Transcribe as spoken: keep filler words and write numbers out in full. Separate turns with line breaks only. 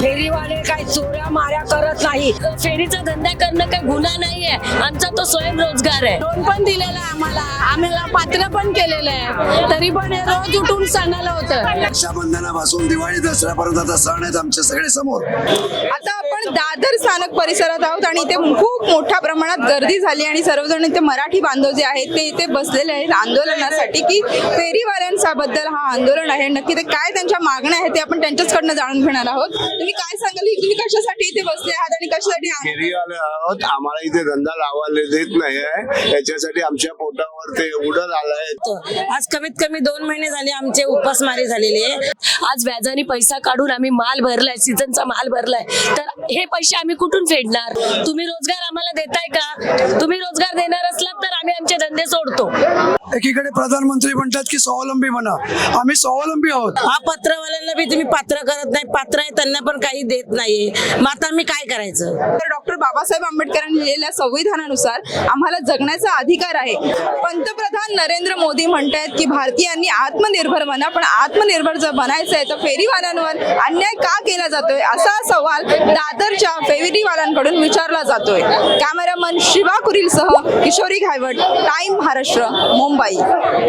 फेरीवाले काही चोऱ्या माऱ्या करत नाही. फेरीचा धंदा करणं काही गुन्हा नाहीये. आमचा तो स्वयंरोजगार आहे.
लोन पण दिलेलं आहे आम्हाला, आम्हाला पात्र पण केलेलं आहे, तरी पण हे रोज उठून सणाला होतं.
रक्षाबंधनापासून दिवाळी दसऱ्यापर्यंत आता सण आहेत आमच्या सगळे समोर.
आता आपण दादर स्थानक परिसरात आहोत आणि इथे खूप मोठ्या प्रमाणात गर्दी झाली आणि सर्वजण इथे मराठी बांधव जे आहेत ते इथे बसलेले आहेत आंदोलनासाठी, की फेरीवाल्यांबद्दल हा आंदोलन आहे. नक्की ते काय त्यांच्या मागण्या आहेत ते आपण त्यांच्याचकडनं जाणून घेणार आहोत. तुम्ही काय सांगाल, की तुम्ही कशासाठी इथे बसले आहात आणि कशासाठी आहात?
फेरीवाले आहोत, आम्हाला इथे धंदा लावायला देत नाही आहे, याच्यासाठी आमच्या पोटावर ते उडत आलंय.
आज कमीत कमी दोन महिने झाले आमचे उपासमारी झालेले आहे. आज व्याजाने पैसा काढून आम्ही माल भरलाय, सीझनचा माल भरलाय, तर हे पैसे आम्ही कुठून फेडणार? तुम्ही रोजगार आम्हाला देताय का? तुम्ही रोजगार देणार असलात तर आम्ही आमचे धंदे सोडतो.
एकीकडे प्रधानमंत्री म्हणतात की स्वावलंबी बना, आम्ही स्वावलंबी आहोत.
हा पत्रवाल्यांना बी तुम्ही पात्र करत नाही, पात्र आहे त्यांना पण काही देत नाहीये. मग आता आम्ही काय करायचं?
तर डॉक्टर बाबासाहेब आंबेडकरांनी लिहिलेल्या संविधानानुसार आम्हाला जगण्याचा अधिकार आहे. पंतप्रधान नरेंद्र मोदी म्हणतायत की भारतीयांनी आत्मनिर्भर बना, पण आत्मनिर्भर जर बनायचं आहे तर फेरीवाल्यांवर अन्याय का केला जातोय असा सवाल दादरच्या फेरीवाल्यांकडून विचारला जातोय. कॅमेरामन शिवा कुरीलसह किशोरी घायवट, टाइम महाराष्ट्र, मुंबई.